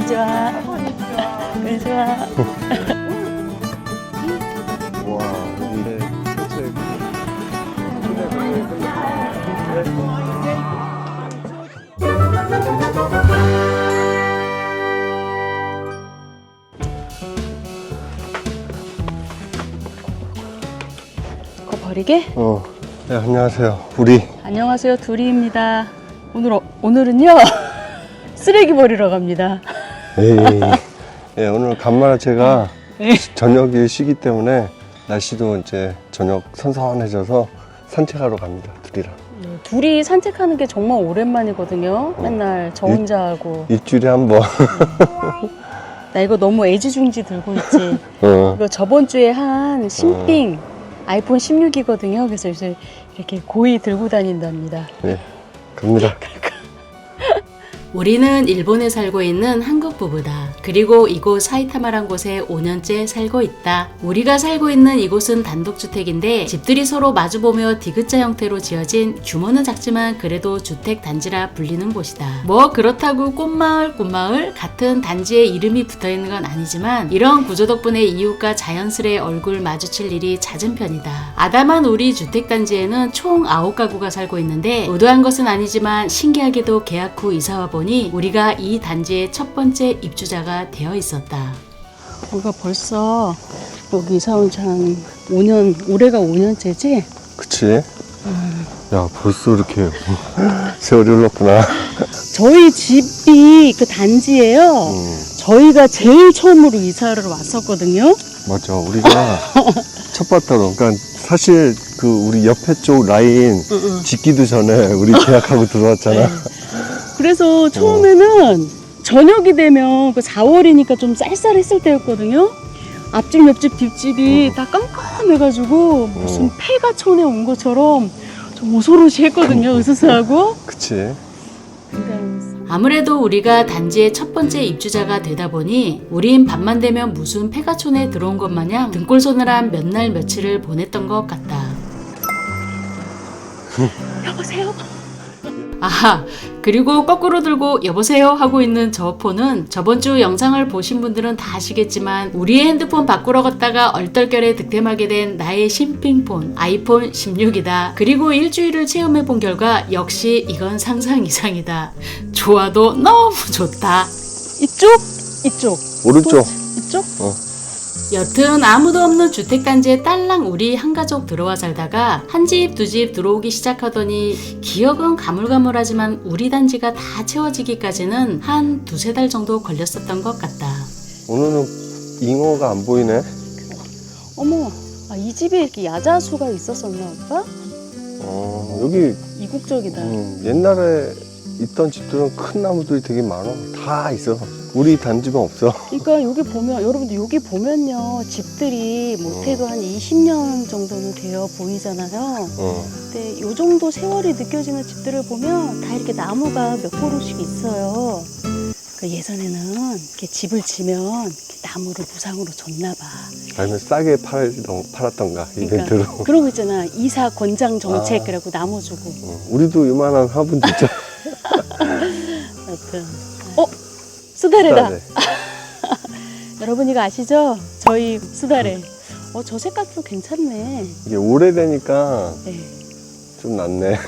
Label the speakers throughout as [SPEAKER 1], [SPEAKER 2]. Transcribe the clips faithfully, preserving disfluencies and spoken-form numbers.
[SPEAKER 1] konnichiwa. konnichiwa.
[SPEAKER 2] 와, 근데 전체
[SPEAKER 1] 그거 버리게?
[SPEAKER 2] 어, 네, 안녕하세요. 우리
[SPEAKER 1] 안녕하세요. 두리입니다. 오늘 어, 오늘은요 쓰레기 버리러 갑니다.
[SPEAKER 2] 에이, 예, 오늘 간만에 제가
[SPEAKER 1] 네.
[SPEAKER 2] 저녁이 쉬기 때문에 날씨도 이제 저녁 선선해져서 산책하러 갑니다. 둘이랑.
[SPEAKER 1] 네, 둘이 산책하는 게 정말 오랜만이거든요.
[SPEAKER 2] 어.
[SPEAKER 1] 맨날 저 혼자 하고.
[SPEAKER 2] 일주일에 한 번.
[SPEAKER 1] 나 이거 너무 애지중지 들고 있지.
[SPEAKER 2] 어,
[SPEAKER 1] 이거 저번 주에 한 신빙 아이폰 십육이거든요. 그래서 요새 이렇게 고이 들고 다닌답니다.
[SPEAKER 2] 네, 갑니다.
[SPEAKER 3] 우리는 일본에 살고 있는 한국 부부다. 그리고 이곳 사이타마란 곳에 오 년째 살고 있다. 우리가 살고 있는 이곳은 단독주택인데 집들이 서로 마주보며 디귿자 형태로 지어진 규모는 작지만 그래도 주택 단지라 불리는 곳이다. 뭐 그렇다고 꽃마을 꽃마을 같은 단지에 이름이 붙어있는 건 아니지만 이런 구조 덕분에 이웃과 자연스레 얼굴 마주칠 일이 잦은 편이다. 아담한 우리 주택단지에는 총 아홉 가구가 살고 있는데 의도한 것은 아니지만 신기하게도 계약 후 이사와 보니 우리가 이 단지의 첫 번째 입주자가 되어 있었다.
[SPEAKER 1] 우리가 벌써 여기 이사 온 지 한 오 년, 올해가 오 년째지?
[SPEAKER 2] 그치? 야, 벌써 이렇게 세월이 흘렀구나.
[SPEAKER 1] 저희 집이 그 단지예요.
[SPEAKER 2] 음,
[SPEAKER 1] 저희가 제일 처음으로 이사를 왔었거든요.
[SPEAKER 2] 맞아. 우리가 첫 바다로. 그러니까 사실 그 우리 옆에 쪽 라인
[SPEAKER 1] 응, 응.
[SPEAKER 2] 짓기도 전에 우리 계약하고 들어왔잖아.
[SPEAKER 1] 네. 그래서 처음에는 저녁이 되면 그 사월이니까 좀 쌀쌀했을 때였거든요. 앞집, 옆집, 뒷집이
[SPEAKER 2] 어.
[SPEAKER 1] 다 깜깜해가지고 무슨
[SPEAKER 2] 어.
[SPEAKER 1] 폐가 촌에 온 것처럼 좀 오소로시 했거든요. 으스스하고.
[SPEAKER 2] 그치?
[SPEAKER 1] 근데
[SPEAKER 3] 아무래도 우리가 단지의 첫 번째 입주자가 되다 보니 우린 밤만 되면 무슨 폐가촌에 들어온 것 마냥 등골 서늘한 몇 날 며칠을 보냈던 것 같다.
[SPEAKER 1] 여보세요?
[SPEAKER 3] 아하, 그리고 거꾸로 들고 여보세요 하고 있는 저 폰은 저번 주 영상을 보신 분들은 다 아시겠지만 우리의 핸드폰 바꾸러 갔다가 얼떨결에 득템하게 된 나의 신빙폰 아이폰 십육이다. 그리고 일주일을 체험해 본 결과 역시 이건 상상 이상이다. 좋아도 너무 좋다.
[SPEAKER 1] 이쪽? 이쪽.
[SPEAKER 2] 오른쪽.
[SPEAKER 1] 이쪽?
[SPEAKER 2] 어.
[SPEAKER 3] 여튼 아무도 없는 주택단지에 딸랑 우리 한 가족 들어와 살다가 한 집 두 집 들어오기 시작하더니 기억은 가물가물하지만 우리 단지가 다 채워지기까지는 한 두세 달 정도 걸렸었던 것 같다.
[SPEAKER 2] 오늘은 잉어가 안 보이네.
[SPEAKER 1] 어머, 아, 이 집에 이렇게 야자수가 있었었나, 오빠?
[SPEAKER 2] 어, 여기
[SPEAKER 1] 이국적이다.
[SPEAKER 2] 음, 옛날에 있던 집들은 큰 나무들이 되게 많아. 다 있어. 우리 단지만 없어.
[SPEAKER 1] 그러니까 여기 보면, 여러분들 여기 보면요. 집들이 못해도 한 이십 년 정도는 되어 보이잖아요.
[SPEAKER 2] 어.
[SPEAKER 1] 근데 요 정도 세월이 느껴지는 집들을 보면 다 이렇게 나무가 몇 그루씩 있어요. 그 예전에는 이렇게 집을 지면 이렇게 나무를 무상으로 줬나 봐.
[SPEAKER 2] 아니면 싸게 팔던, 팔았던가, 이벤트로.
[SPEAKER 1] 그러니까 그런 거 있잖아. 이사 권장 정책
[SPEAKER 2] 아.
[SPEAKER 1] 그래갖고 나무 주고.
[SPEAKER 2] 어, 우리도 요만한 화분 있잖아.
[SPEAKER 1] 하여튼. 어? 수다래다.
[SPEAKER 2] 네.
[SPEAKER 1] 여러분 이거 아시죠? 저희 수다래. 어, 저 색깔도 괜찮네.
[SPEAKER 2] 이게 오래되니까
[SPEAKER 1] 네.
[SPEAKER 2] 좀 낫네.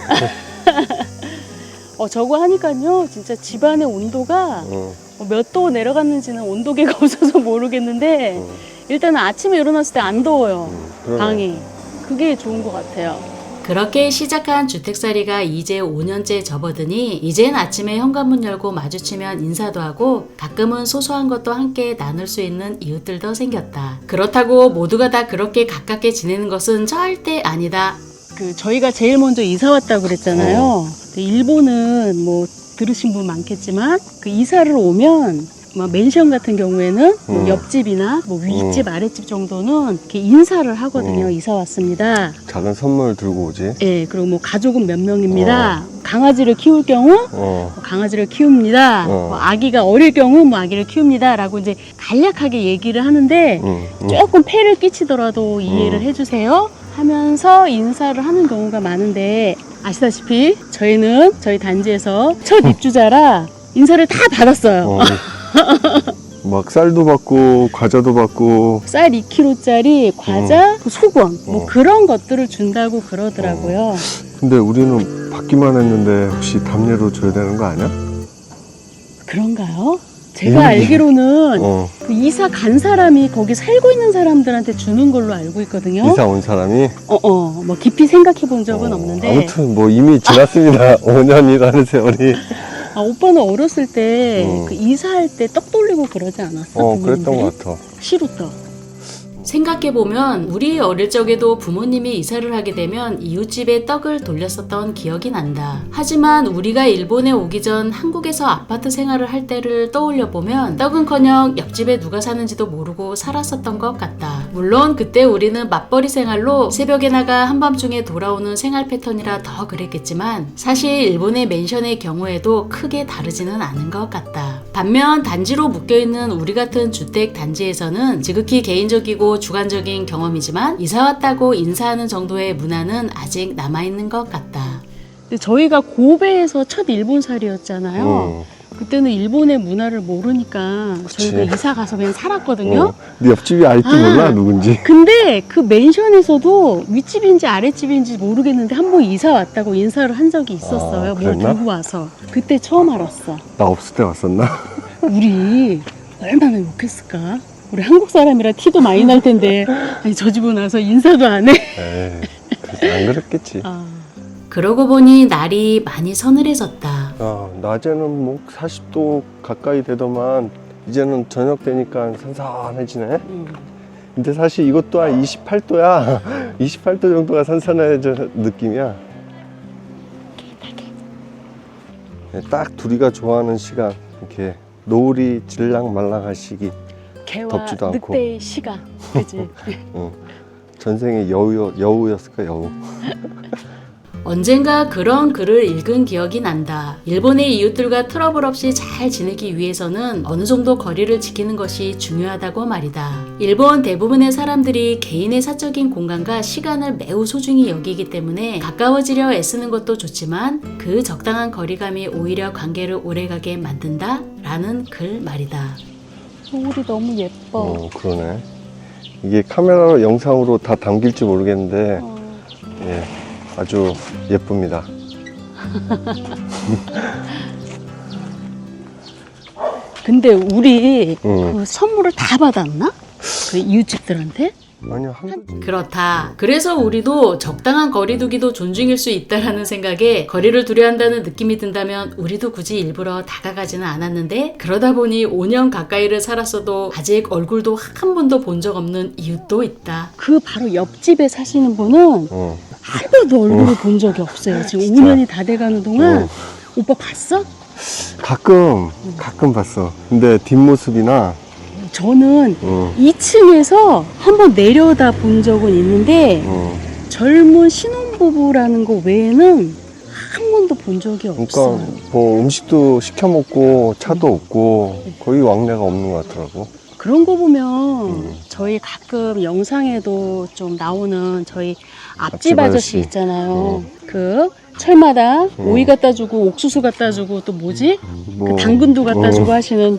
[SPEAKER 1] 어, 저거 하니까요. 진짜 집안의 온도가
[SPEAKER 2] 어,
[SPEAKER 1] 몇 도 내려갔는지는 온도계가 없어서 모르겠는데
[SPEAKER 2] 어,
[SPEAKER 1] 일단은 아침에 일어났을 때 안 더워요.
[SPEAKER 2] 음, 그러네.
[SPEAKER 1] 방이. 그게 좋은 것 같아요.
[SPEAKER 3] 그렇게 시작한 주택살이가 이제 오 년째 접어드니 이젠 아침에 현관문 열고 마주치면 인사도 하고 가끔은 소소한 것도 함께 나눌 수 있는 이웃들도 생겼다. 그렇다고 모두가 다 그렇게 가깝게 지내는 것은 절대 아니다.
[SPEAKER 1] 그 저희가 제일 먼저 이사 왔다고 그랬잖아요. 근데 일본은 뭐 들으신 분 많겠지만 그 이사를 오면 막 멘션 같은 경우에는 뭐
[SPEAKER 2] 음.
[SPEAKER 1] 옆집이나 뭐 윗집 아랫집 정도는 이렇게 인사를 하거든요.
[SPEAKER 2] 음.
[SPEAKER 1] 이사 왔습니다.
[SPEAKER 2] 작은 선물 들고 오지.
[SPEAKER 1] 예, 그리고 뭐 가족은 몇 명입니다. 강아지를 키울 경우
[SPEAKER 2] 어,
[SPEAKER 1] 뭐 강아지를 키웁니다.
[SPEAKER 2] 어.
[SPEAKER 1] 뭐 아기가 어릴 경우 뭐 아기를 키웁니다라고 이제 간략하게 얘기를 하는데
[SPEAKER 2] 음, 음.
[SPEAKER 1] 조금 폐를 끼치더라도 이해를
[SPEAKER 2] 음.
[SPEAKER 1] 해주세요 하면서 인사를 하는 경우가 많은데 아시다시피 저희는 저희 단지에서 첫 입주자라 인사를 다 받았어요.
[SPEAKER 2] 어, 막 쌀도 받고 과자도 받고.
[SPEAKER 1] 쌀 이 킬로그램짜리 과자, 그 소금 뭐
[SPEAKER 2] 어.
[SPEAKER 1] 그런 것들을 준다고 그러더라고요.
[SPEAKER 2] 근데 우리는 받기만 했는데 혹시 답례로 줘야 되는 거 아니야?
[SPEAKER 1] 그런가요? 제가
[SPEAKER 2] 음.
[SPEAKER 1] 알기로는
[SPEAKER 2] 어.
[SPEAKER 1] 그 이사 간 사람이 거기 살고 있는 사람들한테 주는 걸로 알고 있거든요.
[SPEAKER 2] 이사 온 사람이.
[SPEAKER 1] 어어, 뭐 깊이 생각해 본 적은
[SPEAKER 2] 어,
[SPEAKER 1] 없는데.
[SPEAKER 2] 아무튼 뭐 이미 지났습니다. 오 년이라는 세월이.
[SPEAKER 1] 아, 오빠는 어렸을 때
[SPEAKER 2] 음.
[SPEAKER 1] 그 이사할 때 떡 돌리고 그러지 않았어?
[SPEAKER 2] 어, 그랬던
[SPEAKER 1] 부모님들이?
[SPEAKER 2] 것 같아.
[SPEAKER 1] 시루떡.
[SPEAKER 3] 생각해보면 우리 어릴 적에도 부모님이 이사를 하게 되면 이웃집에 떡을 돌렸었던 기억이 난다. 하지만 우리가 일본에 오기 전 한국에서 아파트 생활을 할 때를 떠올려보면 떡은커녕 옆집에 누가 사는지도 모르고 살았었던 것 같다. 물론 그때 우리는 맞벌이 생활로 새벽에 나가 한밤중에 돌아오는 생활 패턴이라 더 그랬겠지만 사실 일본의 맨션의 경우에도 크게 다르지는 않은 것 같다. 반면 단지로 묶여있는 우리 같은 주택 단지에서는 지극히 개인적이고 주관적인 경험이지만 이사 왔다고 인사하는 정도의 문화는 아직 남아있는 것 같다.
[SPEAKER 1] 근데 저희가 고베에서 첫 일본살이었잖아요.
[SPEAKER 2] 음.
[SPEAKER 1] 그때는 일본의 문화를 모르니까
[SPEAKER 2] 그치.
[SPEAKER 1] 저희가 이사 가서 그냥 살았거든요.
[SPEAKER 2] 어. 네 옆집이 알지
[SPEAKER 1] 아.
[SPEAKER 2] 몰라 누군지.
[SPEAKER 1] 근데 그 맨션에서도 윗집인지 아랫집인지 모르겠는데 한 번 이사 왔다고 인사를 한 적이 있었어요.
[SPEAKER 2] 아,
[SPEAKER 1] 뭘
[SPEAKER 2] 그랬나?
[SPEAKER 1] 들고 와서. 그때 처음 알았어.
[SPEAKER 2] 나 없을 때 왔었나?
[SPEAKER 1] 우리 얼마나 욕했을까? 우리 한국 사람이라 티도 많이 날 텐데 아니 저 집은 와서 인사도 안 해.
[SPEAKER 2] 에이, 그래서 안 그랬겠지.
[SPEAKER 1] 아,
[SPEAKER 3] 그러고 보니 날이 많이 서늘해졌다.
[SPEAKER 2] 아, 낮에는 뭐 사십 도 가까이 되더만 이제는 저녁 되니까 선선해지네.
[SPEAKER 1] 음.
[SPEAKER 2] 근데 사실 이것 또한 이십팔 도야. 이십팔 도 정도가 선선해져 느낌이야. 네, 딱 둘이가 좋아하는 시간. 이렇게 노을이 질랑 말랑할 시기.
[SPEAKER 1] 개와
[SPEAKER 2] 덥지도 않고.
[SPEAKER 1] 늑대의 시간, 그지?
[SPEAKER 2] 어, 전생의 여우, 여우였을까 여우.
[SPEAKER 3] 언젠가 그런 글을 읽은 기억이 난다. 일본의 이웃들과 트러블 없이 잘 지내기 위해서는 어느 정도 거리를 지키는 것이 중요하다고 말이다. 일본 대부분의 사람들이 개인의 사적인 공간과 시간을 매우 소중히 여기기 때문에 가까워지려 애쓰는 것도 좋지만 그 적당한 거리감이 오히려 관계를 오래가게 만든다? 라는 글 말이다.
[SPEAKER 1] 노을이 너무 예뻐.
[SPEAKER 2] 어, 그러네. 이게 카메라로 영상으로 다 담길지 모르겠는데
[SPEAKER 1] 어.
[SPEAKER 2] 예, 아주 예쁩니다.
[SPEAKER 1] 근데 우리
[SPEAKER 2] 응.
[SPEAKER 1] 그 선물을 다 받았나? 그 이웃집들한테?
[SPEAKER 2] 아니요, 한두
[SPEAKER 3] 그렇다. 그래서 우리도 적당한 거리두기도 존중일 수 있다라는 생각에 거리를 두려 한다는 느낌이 든다면 우리도 굳이 일부러 다가가지는 않았는데 그러다 보니 오 년 가까이를 살았어도 아직 얼굴도 한 번도 본 적 없는 이웃도 있다.
[SPEAKER 1] 그 바로 옆집에 사시는 분은
[SPEAKER 2] 어,
[SPEAKER 1] 한 번도 얼굴을 본 적이 없어요. 지금
[SPEAKER 2] 진짜?
[SPEAKER 1] 오 년이 다 돼가는 동안.
[SPEAKER 2] 어.
[SPEAKER 1] 오빠 봤어?
[SPEAKER 2] 가끔 가끔 봤어. 근데 뒷모습이나
[SPEAKER 1] 저는
[SPEAKER 2] 어,
[SPEAKER 1] 이 층에서 한 번 내려다 본 적은 있는데
[SPEAKER 2] 어,
[SPEAKER 1] 젊은 신혼부부라는 거 외에는 한 번도 본 적이
[SPEAKER 2] 그러니까
[SPEAKER 1] 없어요.
[SPEAKER 2] 뭐 음식도 시켜 먹고 차도 없고 거의 왕래가 없는 것 같더라고.
[SPEAKER 1] 그런 거 보면
[SPEAKER 2] 음.
[SPEAKER 1] 저희 가끔 영상에도 좀 나오는 저희 앞집
[SPEAKER 2] 앞집
[SPEAKER 1] 아저씨
[SPEAKER 2] 아저씨.
[SPEAKER 1] 있잖아요. 그 철마다 오이 갖다 주고 옥수수 갖다 주고 또 뭐지?
[SPEAKER 2] 뭐,
[SPEAKER 1] 그 당근도 갖다
[SPEAKER 2] 어,
[SPEAKER 1] 주고 하시는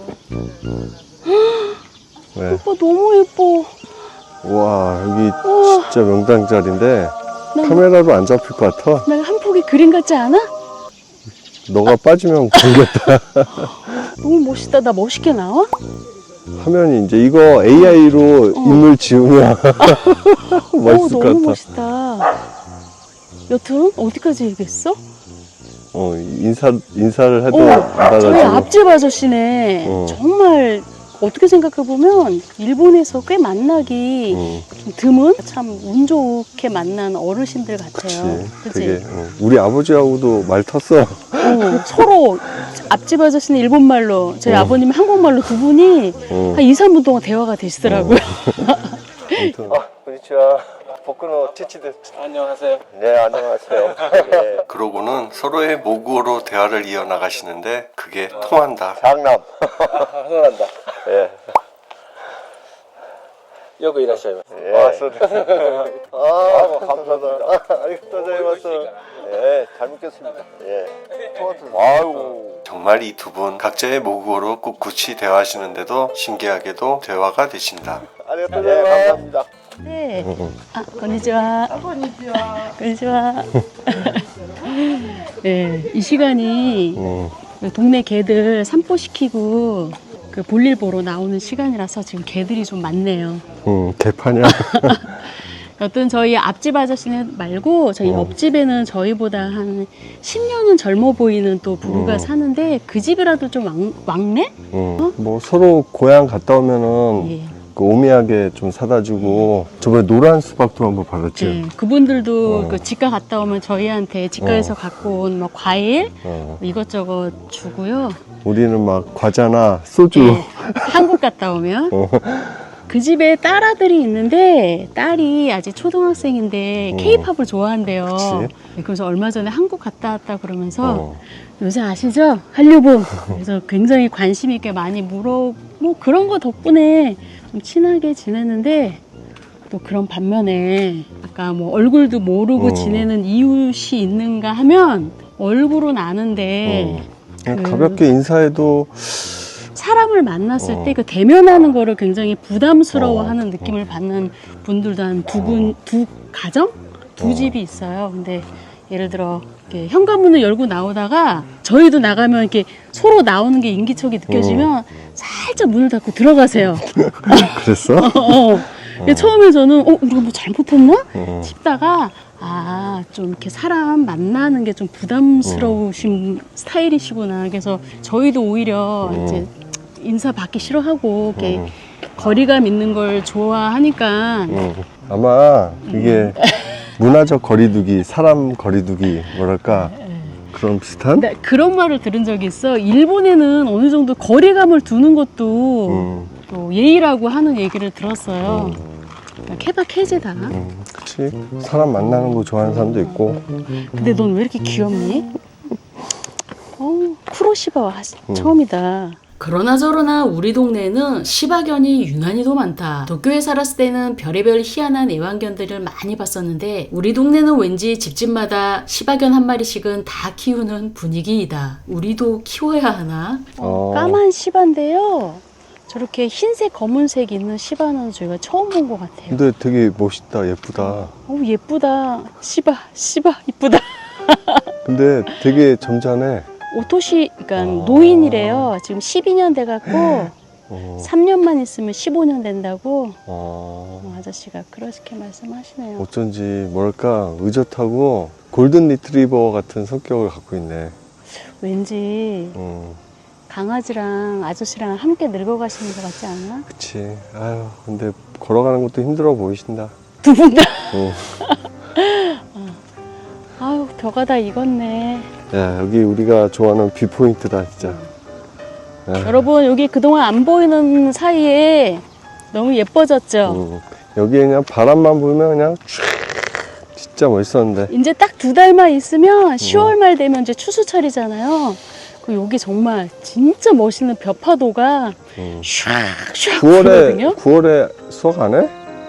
[SPEAKER 2] 네.
[SPEAKER 1] 오빠 너무 예뻐.
[SPEAKER 2] 와, 여기
[SPEAKER 1] 우와.
[SPEAKER 2] 진짜 명당 자리인데
[SPEAKER 1] 난,
[SPEAKER 2] 카메라로 안 잡힐 것 같아.
[SPEAKER 1] 난 한 폭의 그림 같지 않아?
[SPEAKER 2] 너가 빠지면 공겠다.
[SPEAKER 1] 너무 멋있다. 나 멋있게 나와?
[SPEAKER 2] 화면이 이제 이거 에이아이로 인물 지우면
[SPEAKER 1] 오,
[SPEAKER 2] 멋있을 것
[SPEAKER 1] 너무
[SPEAKER 2] 같아.
[SPEAKER 1] 멋있다. 여튼 어디까지 얘기했어?
[SPEAKER 2] 어, 인사, 인사를 해도
[SPEAKER 1] 오,
[SPEAKER 2] 안
[SPEAKER 1] 저희
[SPEAKER 2] 받아가지고.
[SPEAKER 1] 앞집 아저씨네.
[SPEAKER 2] 어.
[SPEAKER 1] 정말 어떻게 생각해보면 일본에서 꽤 만나기
[SPEAKER 2] 어,
[SPEAKER 1] 좀 드문 참 운 좋게 만난 어르신들 같아요.
[SPEAKER 2] 그치. 되게, 어, 우리 아버지하고도 말 텄어.
[SPEAKER 1] 어, 서로 앞집 아저씨는 일본말로 저희
[SPEAKER 2] 어.
[SPEAKER 1] 아버님은 한국말로 두 분이
[SPEAKER 2] 어.
[SPEAKER 1] 한 이, 삼 분 동안 대화가 되시더라고요.
[SPEAKER 2] 아무튼. 아, konnichiwa. 복근호 티치드.
[SPEAKER 4] 안녕하세요.
[SPEAKER 2] 네, 안녕하세요. 네. 그러고는 서로의 모국어로 대화를 이어나가시는데 그게 통한다. 장남.
[SPEAKER 4] 아, 흥분한다.
[SPEAKER 2] 예.
[SPEAKER 4] よくいらっしゃいます。
[SPEAKER 2] 아, そうです. 아, 감사합니다. 아리가또 고자이마스. 예, 잘 먹겠습니다. 예. 아유. 정말 이 두 분 각자의 모국어로 꿋꿋이 대화하시는데도 신기하게도 대화가 되신다. 아리가또 고자이마스. 예, 감사합니다.
[SPEAKER 1] 네. 아, 건니치와. 건니치와. 네, 이 시간이
[SPEAKER 2] 음.
[SPEAKER 1] 동네 개들 산보시키고 그 볼일 보러 나오는 시간이라서 지금 개들이 좀 많네요.
[SPEAKER 2] 음, 개파냐?
[SPEAKER 1] 어떤 저희 앞집 아저씨는 말고 저희
[SPEAKER 2] 어.
[SPEAKER 1] 옆집에는 저희보다 한 십 년은 젊어 보이는 또 부부가
[SPEAKER 2] 어.
[SPEAKER 1] 사는데 그 집이라도 좀 왕, 왕래?
[SPEAKER 2] 음, 뭐 서로 고향 갔다 오면은
[SPEAKER 1] 예.
[SPEAKER 2] 그 오미하게 좀 사다 주고 저번에 노란 수박도 한번 받았지.
[SPEAKER 1] 예. 그분들도
[SPEAKER 2] 어.
[SPEAKER 1] 그 집가 갔다 오면 저희한테 집가에서
[SPEAKER 2] 어.
[SPEAKER 1] 갖고 온 뭐 과일
[SPEAKER 2] 어.
[SPEAKER 1] 이것저것 주고요.
[SPEAKER 2] 우리는 막 과자나 소주.
[SPEAKER 1] 예. 한국 갔다 오면
[SPEAKER 2] 어.
[SPEAKER 1] 그 집에 딸아들이 있는데 딸이 아직 초등학생인데
[SPEAKER 2] 어.
[SPEAKER 1] 케이팝을 좋아한대요.
[SPEAKER 2] 그치.
[SPEAKER 1] 네, 그래서 얼마 전에 한국 갔다 왔다 그러면서
[SPEAKER 2] 어.
[SPEAKER 1] 요새 아시죠? 한류부. 그래서 굉장히 관심 있게 많이 물어 뭐 그런 거 덕분에 좀 친하게 지내는데 또 그런 반면에 아까 뭐 얼굴도 모르고
[SPEAKER 2] 어.
[SPEAKER 1] 지내는 이웃이 있는가 하면 얼굴은 아는데
[SPEAKER 2] 어. 그냥
[SPEAKER 1] 그-
[SPEAKER 2] 가볍게 인사해도
[SPEAKER 1] 사람을 만났을
[SPEAKER 2] 어.
[SPEAKER 1] 때 그 대면하는 거를 굉장히 부담스러워하는
[SPEAKER 2] 어.
[SPEAKER 1] 느낌을 받는 분들도 한 두 분, 두 가정? 두
[SPEAKER 2] 어.
[SPEAKER 1] 집이 있어요. 근데 예를 들어 이렇게 현관문을 열고 나오다가 저희도 나가면 이렇게 서로 나오는 게 인기척이 느껴지면 살짝 문을 닫고 들어가세요.
[SPEAKER 2] 그랬어?
[SPEAKER 1] 어, 어. 근데 처음에 저는 어 우리가 뭐 잘못했나
[SPEAKER 2] 어.
[SPEAKER 1] 싶다가 아 좀 이렇게 사람 만나는 게 좀 부담스러우신 스타일이시구나. 그래서 저희도 오히려
[SPEAKER 2] 어.
[SPEAKER 1] 이제 인사 받기 싫어하고 이렇게
[SPEAKER 2] 어.
[SPEAKER 1] 거리감 있는 걸 좋아하니까
[SPEAKER 2] 어. 아마 이게 문화적 거리두기, 사람 거리두기 뭐랄까 그런 비슷한?
[SPEAKER 1] 근데 그런 말을 들은 적이 있어. 일본에는 어느 정도 거리감을 두는 것도
[SPEAKER 2] 음.
[SPEAKER 1] 또 예의라고 하는 얘기를 들었어요. 케바케제다.
[SPEAKER 2] 음, 그치. 사람 만나는 거 좋아하는 사람도 있고.
[SPEAKER 1] 근데 넌 왜 이렇게 귀엽니? 어, 쿠로시바와 하-
[SPEAKER 2] 음.
[SPEAKER 1] 처음이다.
[SPEAKER 3] 그러나 저러나 우리 동네에는 시바견이 유난히도 많다. 도쿄에 살았을 때는 별의별 희한한 애완견들을 많이 봤었는데 우리 동네는 왠지 집집마다 시바견 한 마리씩은 다 키우는 분위기이다. 우리도 키워야 하나?
[SPEAKER 2] 어.
[SPEAKER 1] 까만 시바인데요. 저렇게 흰색, 검은색 있는 시바는 저희가 처음 본 것 같아요.
[SPEAKER 2] 근데 되게 멋있다, 예쁘다.
[SPEAKER 1] 어, 예쁘다. 시바, 시바, 이쁘다.
[SPEAKER 2] 근데 되게 점잖해.
[SPEAKER 1] 오토시, 그러니까
[SPEAKER 2] 아.
[SPEAKER 1] 노인이래요. 지금 십이 년 돼갖고
[SPEAKER 2] 어.
[SPEAKER 1] 삼 년만 있으면 십오 년 된다고
[SPEAKER 2] 어.
[SPEAKER 1] 어, 아저씨가 그렇게 말씀하시네요.
[SPEAKER 2] 어쩐지 뭐랄까 의젓하고 골든 리트리버 같은 성격을 갖고 있네.
[SPEAKER 1] 왠지
[SPEAKER 2] 음,
[SPEAKER 1] 강아지랑 아저씨랑 함께 늙어가시는 것 같지 않아?
[SPEAKER 2] 그치. 아유, 근데 걸어가는 것도 힘들어 보이신다.
[SPEAKER 1] 두 분 다.
[SPEAKER 2] 어.
[SPEAKER 1] 아유, 벼가 다 익었네.
[SPEAKER 2] 야, 여기 우리가 좋아하는 뷰포인트다, 진짜. 야,
[SPEAKER 1] 여러분, 여기 그동안 안 보이는 사이에 너무 예뻐졌죠?
[SPEAKER 2] 음, 여기 그냥 바람만 불면 그냥 촤 진짜 멋있었는데.
[SPEAKER 1] 이제 딱 두 달만 있으면 시월 말 되면 이제 추수철이잖아요. 그 여기 정말 진짜 멋있는 벼파도가
[SPEAKER 2] 음.
[SPEAKER 1] 슉슉
[SPEAKER 2] 구월에,
[SPEAKER 1] 불거든요.
[SPEAKER 2] 구월에 수학 안 해?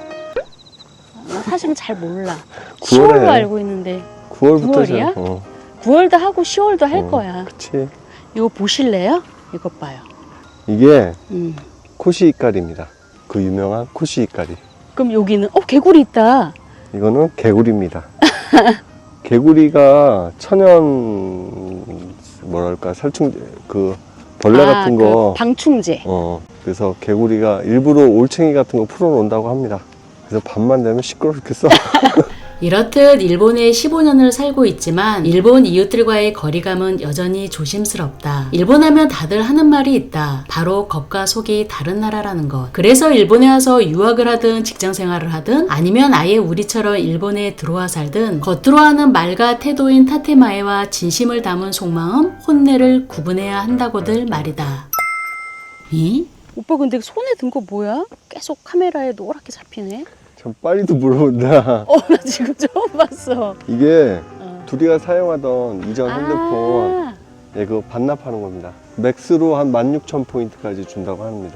[SPEAKER 1] 나 사실은 잘 몰라.
[SPEAKER 2] 구월에
[SPEAKER 1] 시월로 알고 있는데
[SPEAKER 2] 구월부터
[SPEAKER 1] 구월이야?
[SPEAKER 2] 어,
[SPEAKER 1] 구월도 하고 시월도 할
[SPEAKER 2] 어,
[SPEAKER 1] 거야.
[SPEAKER 2] 그치.
[SPEAKER 1] 이거 보실래요? 이것 봐요.
[SPEAKER 2] 이게
[SPEAKER 1] 음.
[SPEAKER 2] 코시이까리입니다. 그 유명한 코시이까리.
[SPEAKER 1] 그럼 여기는 어 개구리 있다.
[SPEAKER 2] 이거는 개구리입니다. 개구리가 천연 뭐랄까 살충제 그 벌레
[SPEAKER 1] 아,
[SPEAKER 2] 같은 거
[SPEAKER 1] 그 방충제.
[SPEAKER 2] 어, 그래서 개구리가 일부러 올챙이 같은 거 풀어놓는다고 합니다. 그래서 밤만 되면 시끄러 죽겠어.
[SPEAKER 3] 이렇듯 일본에 십오 년을 살고 있지만 일본 이웃들과의 거리감은 여전히 조심스럽다. 일본 하면 다들 하는 말이 있다. 바로 겉과 속이 다른 나라라는 것. 그래서 일본에 와서 유학을 하든 직장 생활을 하든 아니면 아예 우리처럼 일본에 들어와 살든 겉으로 하는 말과 태도인 타테마에와 진심을 담은 속마음, 혼내를 구분해야 한다고들 말이다. 이?
[SPEAKER 1] 오빠 근데 손에 든 거 뭐야? 계속 카메라에 노랗게 잡히네.
[SPEAKER 2] 참 빨리도 물어본다.
[SPEAKER 1] 어 나 지금 처음 봤어.
[SPEAKER 2] 이게
[SPEAKER 1] 어.
[SPEAKER 2] 둘이가 사용하던 이전 핸드폰
[SPEAKER 1] 아,
[SPEAKER 2] 예, 그거 반납하는 겁니다. 맥스로 한 만 육천 포인트까지 준다고 합니다.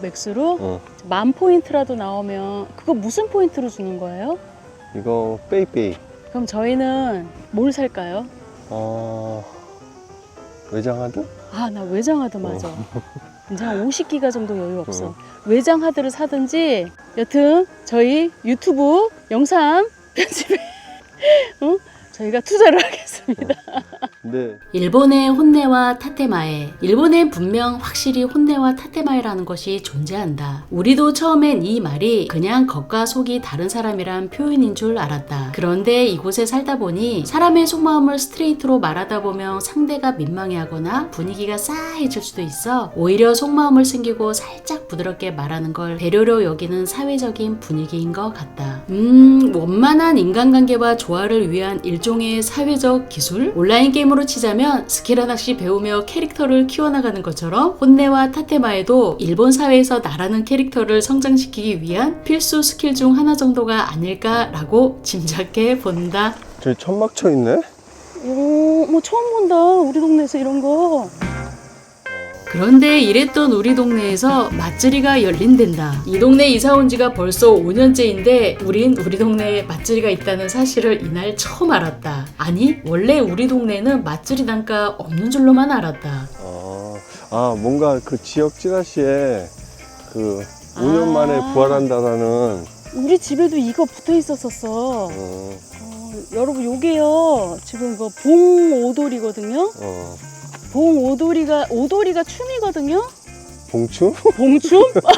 [SPEAKER 1] 맥스로?
[SPEAKER 2] 어.
[SPEAKER 1] 만 포인트라도 나오면 그거 무슨 포인트로 주는 거예요?
[SPEAKER 2] 이거 빼이빼이.
[SPEAKER 1] 그럼 저희는 뭘 살까요?
[SPEAKER 2] 어... 외장하드?
[SPEAKER 1] 아, 나 외장하드 맞아. 이제 한 오십 기가 정도 여유 없어.
[SPEAKER 2] 어.
[SPEAKER 1] 외장하드를 사든지, 여튼 저희 유튜브 영상 편집에 어? 저희가 투자를 하겠습니다.
[SPEAKER 2] 근데
[SPEAKER 3] 일본의 혼내와 타테마에, 일본엔 분명 확실히 혼내와 타테마에라는 것이 존재한다. 우리도 처음엔 이 말이 그냥 겉과 속이 다른 사람이란 표현인 줄 알았다. 그런데 이곳에 살다 보니 사람의 속마음을 스트레이트로 말하다 보면 상대가 민망해하거나 분위기가 싸해질 수도 있어 오히려 속마음을 숨기고 살짝 부드럽게 말하는 걸 배려로 여기는 사회적인 분위기인 것 같다. 음, 원만한 인간관계와 조화를 위한 일종의 사회적 기술? 온라인 게임으로 치자면 스킬 하나씩 배우며 캐릭터를 키워나가는 것처럼 혼내와 타테마에도 일본 사회에서 나라는 캐릭터를 성장시키기 위한 필수 스킬 중 하나 정도가 아닐까라고 짐작해 본다.
[SPEAKER 2] 저기 천막 쳐 있네?
[SPEAKER 1] 오, 뭐 처음 본다. 우리 동네에서 이런 거.
[SPEAKER 3] 그런데 이랬던 우리 동네에서 맛집이가 열린댄다. 이 동네 이사 온 지가 벌써 오 년째인데 우린 우리 동네에 맛집이가 있다는 사실을 이날 처음 알았다. 아니 원래 우리 동네는 맛집이 단가 없는 줄로만 알았다.
[SPEAKER 2] 아, 아 뭔가 그 지역 찌라시에 그 오 년
[SPEAKER 1] 아.
[SPEAKER 2] 만에 부활한다라는
[SPEAKER 1] 우리 집에도 이거 붙어 있었었어.
[SPEAKER 2] 어,
[SPEAKER 1] 어, 여러분 요게요. 지금 이거 봉 오돌이거든요.
[SPEAKER 2] 어,
[SPEAKER 1] 봉 오돌이가 오돌이가 춤이거든요.
[SPEAKER 2] 봉추?
[SPEAKER 1] 봉춤?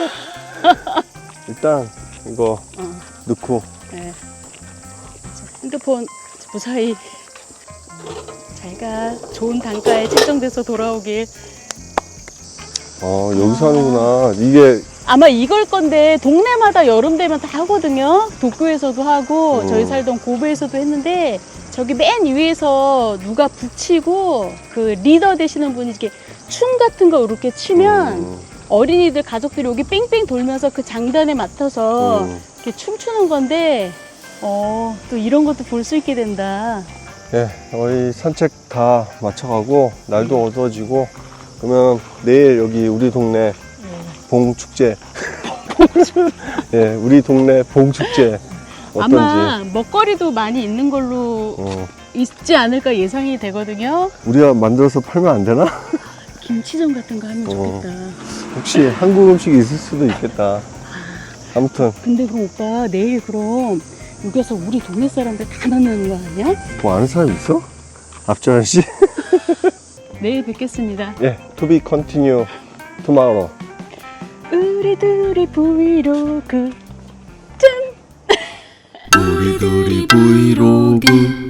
[SPEAKER 2] 일단 이거
[SPEAKER 1] 어,
[SPEAKER 2] 넣고
[SPEAKER 1] 네. 자, 핸드폰 무사히 잘가. 좋은 단가에 책정돼서 돌아오길.
[SPEAKER 2] 어 여기서 하는구나. 이게
[SPEAKER 1] 아마 이걸 건데 동네마다 여름 되면 다 하거든요. 도쿄에서도 하고
[SPEAKER 2] 음.
[SPEAKER 1] 저희 살던 고베에서도 했는데 저기 맨 위에서 누가 북치고 그 리더 되시는 분이 이렇게 춤 같은 거 이렇게 치면
[SPEAKER 2] 음,
[SPEAKER 1] 어린이들 가족들이 여기 뺑뺑 돌면서 그 장단에 맡아서
[SPEAKER 2] 음.
[SPEAKER 1] 이렇게 춤추는 건데 어, 또 이런 것도 볼 수 있게 된다.
[SPEAKER 2] 예, 저희 산책 다 마쳐가고 날도 어두워지고 그러면 내일 여기 우리 동네 봉축제 예, 우리 동네 봉축제 어떤지
[SPEAKER 1] 아마 먹거리도 많이 있는 걸로
[SPEAKER 2] 어,
[SPEAKER 1] 있지 않을까 예상이 되거든요.
[SPEAKER 2] 우리가 만들어서 팔면 안 되나?
[SPEAKER 1] 김치전 같은 거 하면
[SPEAKER 2] 어.
[SPEAKER 1] 좋겠다.
[SPEAKER 2] 혹시 한국 음식이 있을 수도 있겠다. 아무튼
[SPEAKER 1] 근데 그럼 오빠 내일 그럼 여기서 우리 동네 사람들 다 만나는 거 아니야?
[SPEAKER 2] 뭐 아는 사람 있어? 앞전 씨?
[SPEAKER 1] 내일 뵙겠습니다.
[SPEAKER 2] 예, to be continue tomorrow.
[SPEAKER 1] 우리들이 브이로그 짠!
[SPEAKER 3] 우리들이 브이로그.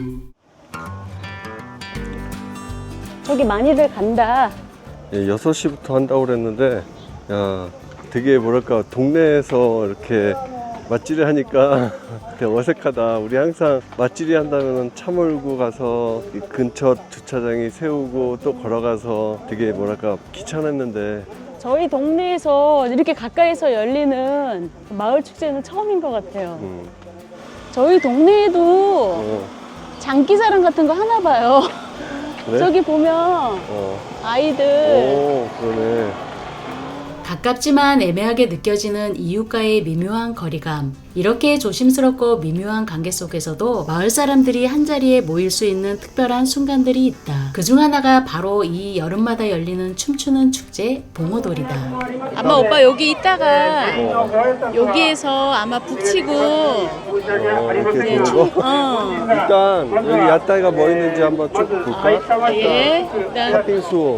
[SPEAKER 1] 저기 많이들 간다.
[SPEAKER 2] 예, 여섯 시부터 한다고 그랬는데 야, 되게 뭐랄까 동네에서 이렇게 맛질을 하니까 되게 어색하다. 우리 항상 맛질이 한다면 차 몰고 가서 이 근처 주차장에 세우고 또 걸어가서 되게 뭐랄까 귀찮았는데
[SPEAKER 1] 저희 동네에서 이렇게 가까이서 열리는 마을 축제는 처음인 것 같아요.
[SPEAKER 2] 음,
[SPEAKER 1] 저희 동네에도
[SPEAKER 2] 어,
[SPEAKER 1] 장기자랑 같은 거 하나 봐요.
[SPEAKER 2] 그래?
[SPEAKER 1] 저기 보면
[SPEAKER 2] 어,
[SPEAKER 1] 아이들
[SPEAKER 2] 오, 그러네.
[SPEAKER 3] 가깝지만 애매하게 느껴지는 이웃과의 미묘한 거리감. 이렇게 조심스럽고 미묘한 관계 속에서도 마을 사람들이 한자리에 모일 수 있는 특별한 순간들이 있다. 그중 하나가 바로 이 여름마다 열리는 춤추는 축제 봉오돌이다.
[SPEAKER 1] 아마 오빠 여기 있다가 여기에서 아마 북치고
[SPEAKER 2] 어, 이렇게 도는 거?
[SPEAKER 1] 어.
[SPEAKER 2] 일단 여기 야따이가 뭐 있는지 한번 쭉 볼까?
[SPEAKER 1] 예. 일단
[SPEAKER 2] 팥빙수.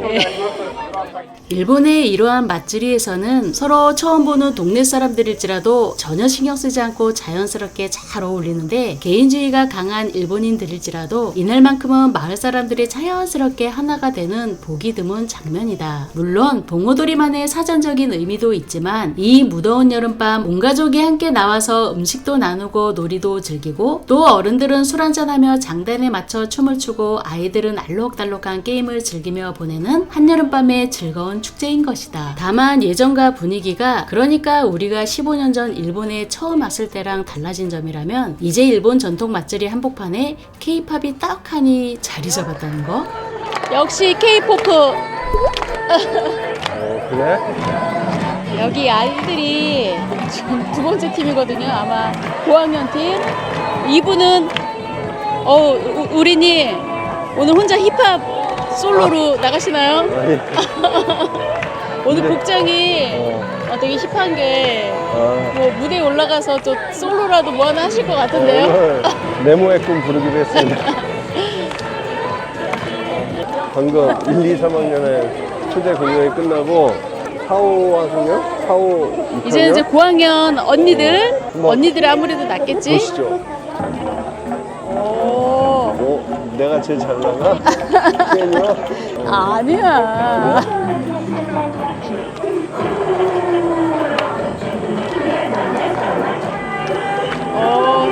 [SPEAKER 3] 일본의 이러한 맛집에서는 서로 처음 보는 동네 사람들일지라도 전혀 신경 쓰지 않고 자연스럽게 잘 어울리는데 개인주의가 강한 일본인들일지라도 이날만큼은 마을 사람들이 자연스럽게 하나가 되는 보기 드문 장면이다. 물론 봉오돌이만의 사전적인 의미도 있지만 이 무더운 여름밤 온 가족이 함께 나와서 음식도 나누고 놀이도 즐기고 또 어른들은 술 한잔하며 장단에 맞춰 춤을 추고 아이들은 알록달록한 게임을 즐기며 보내는 한여름밤의 즐거운 축제인 것이다. 다만 예전과 분위기가 그러니까 우리가 십오 년 전 일본에 처음 왔을 때랑 달라진 점이라면 이제 일본 전통 맛집이 한복판에 K-팝이 떡하니 자리 잡았다는 거?
[SPEAKER 1] 역시 K-포크.
[SPEAKER 2] 어, 그래?
[SPEAKER 1] 여기 아이들이 지금 두 번째 팀이거든요. 아마 고학년 팀. 이분은 어 우- 우리님 오늘 혼자 힙합 솔로로 나가시나요?
[SPEAKER 2] 아니,
[SPEAKER 1] 오늘
[SPEAKER 2] 네.
[SPEAKER 1] 복장이
[SPEAKER 2] 어,
[SPEAKER 1] 어, 되게 힙한 게
[SPEAKER 2] 아,
[SPEAKER 1] 뭐 무대에 올라가서 또 솔로라도 뭐 하나 하실 것 같은데요?
[SPEAKER 2] 오늘 네모의 꿈 부르기로 했습니다. 방금 일, 이, 삼 학년의 초대 공연이 끝나고 사, 오 학년? 사, 오, 육 학년?
[SPEAKER 1] 이제는 이제 고학년 언니들
[SPEAKER 2] 뭐,
[SPEAKER 1] 언니들이 아무래도 낫겠지?
[SPEAKER 2] 보시죠.
[SPEAKER 1] 오
[SPEAKER 2] 어, 내가 제일 잘 나가? 괜히요?
[SPEAKER 1] 아니야. 어,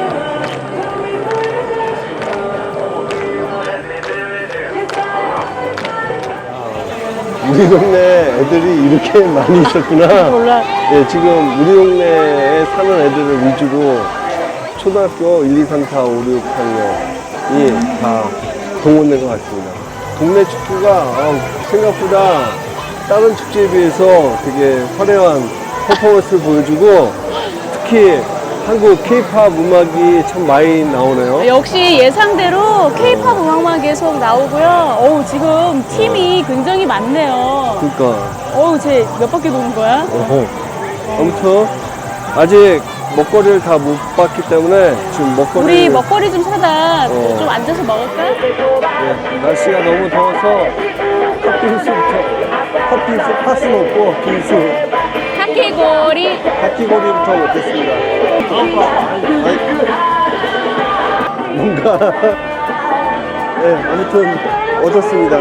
[SPEAKER 2] 우리 동네 애들이 이렇게 많이 있었구나.
[SPEAKER 1] 몰라.
[SPEAKER 2] 예, 지금 우리 동네에 사는 애들을 위주로 초등학교 일, 이, 삼, 사, 오, 육 학년이 다 동원된 것 같습니다. 동네 축구가 아, 생각보다 다른 축제에 비해서 되게 화려한 퍼포먼스를 보여주고 특히 한국 케이팝 음악이 참 많이 나오네요.
[SPEAKER 1] 역시 예상대로 케이팝 음악만 계속 나오고요. 어우, 지금 팀이 굉장히 많네요.
[SPEAKER 2] 그러니까
[SPEAKER 1] 어우, 쟤 몇 바퀴 도는 거야?
[SPEAKER 2] 어허. 아무튼 아직 먹거리를 다 못 봤기 때문에 지금 먹거리
[SPEAKER 1] 우리 먹거리 좀 사다
[SPEAKER 2] 어.
[SPEAKER 1] 좀 앉아서 먹을까?
[SPEAKER 2] 네, 날씨가 너무 더워서 팥빙수부터 팥빙수 파스 먹고 빙수
[SPEAKER 1] 카키고리.
[SPEAKER 2] 팥기고리부터 먹겠습니다. 아이, 뭔가 네, 아무튼 얻었습니다.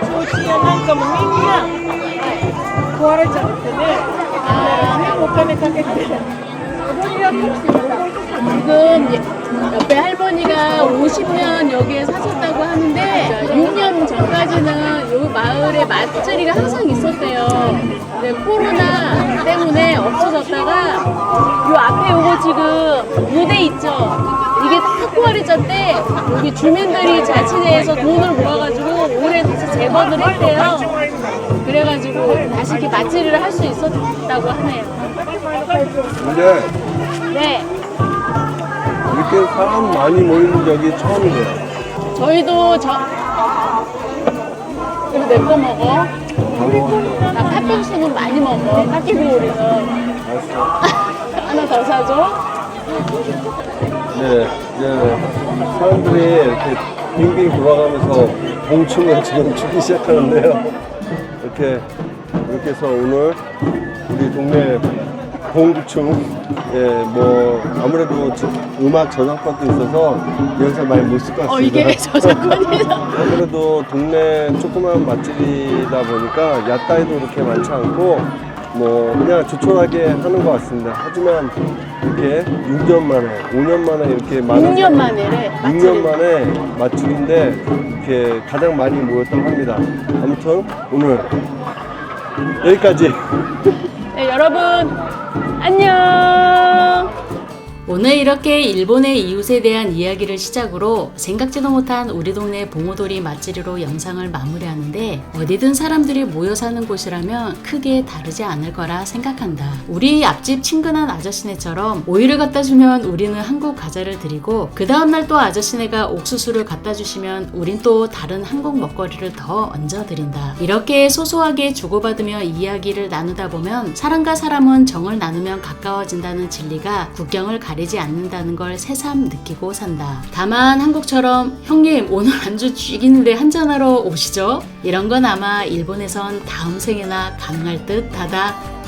[SPEAKER 1] 지금 예- 옆에 할머니가 오십 년 여기에 사셨다고 하는데 육 년 전까지는 이 마을에 맛자리가 항상 있었대요. 근데 코로나 때문에 없어졌다가 요 앞에 요거 지금 무대 있죠? 이게 타코아리전 때 여기 주민들이 자치대에서 돈을 모아가지고 올해 다시 재건을 했대요. 그래가지고 다시 이렇게 맛자리를 할 수 있었다고 하네요.
[SPEAKER 2] 근데
[SPEAKER 1] 네.
[SPEAKER 2] 이렇게 사람 많이 모이는 적이 처음이에요.
[SPEAKER 1] 저희도 저 그리고 내 거 먹어. 나 팥빙수는 많이 먹어. 팥기고리는
[SPEAKER 2] 알았어.
[SPEAKER 1] 하나 더 사줘.
[SPEAKER 2] 네, 이제 사람들이 이렇게 빙빙 돌아가면서 봉충을 지금 추기 시작하는데요. 이렇게 이렇게 해서 오늘 우리 동네 봉충, 예, 뭐 아무래도 저- 음악 저작권도 있어서 여기서 많이 못 쓸 것 같습니다.
[SPEAKER 1] 어 이게 저작권이다.
[SPEAKER 2] 아무래도 동네 조그만 맛집이다 보니까 야따이도 그렇게 많지 않고 뭐 그냥 조촐하게 하는 것 같습니다. 하지만 이렇게 육 년 만에, 오 년 만에 이렇게 많은
[SPEAKER 1] 육 년 만에래.
[SPEAKER 2] 육 년 만에 맛집인데 이렇게 가장 많이 모였다고 합니다. 아무튼 오늘 여기까지.
[SPEAKER 1] 네, 여러분 안녕.
[SPEAKER 3] 오늘 이렇게 일본의 이웃에 대한 이야기를 시작으로 생각지도 못한 우리 동네 봉오도리 맛집으로 영상을 마무리하는데 어디든 사람들이 모여 사는 곳이라면 크게 다르지 않을 거라 생각한다. 우리 앞집 친근한 아저씨네처럼 오이를 갖다 주면 우리는 한국 과자를 드리고 그 다음날 또 아저씨네가 옥수수를 갖다 주시면 우린 또 다른 한국 먹거리를 더 얹어 드린다. 이렇게 소소하게 주고받으며 이야기를 나누다 보면 사람과 사람은 정을 나누면 가까워진다는 진리가 국경을 가리지 않는다는 걸 새삼 느끼고 산다. 다만 한국처럼 형님 오늘 안주 죽이는데 한잔하러 오시죠? 이런 건 아마 일본에선 다음 생에나 가능할 듯 하다.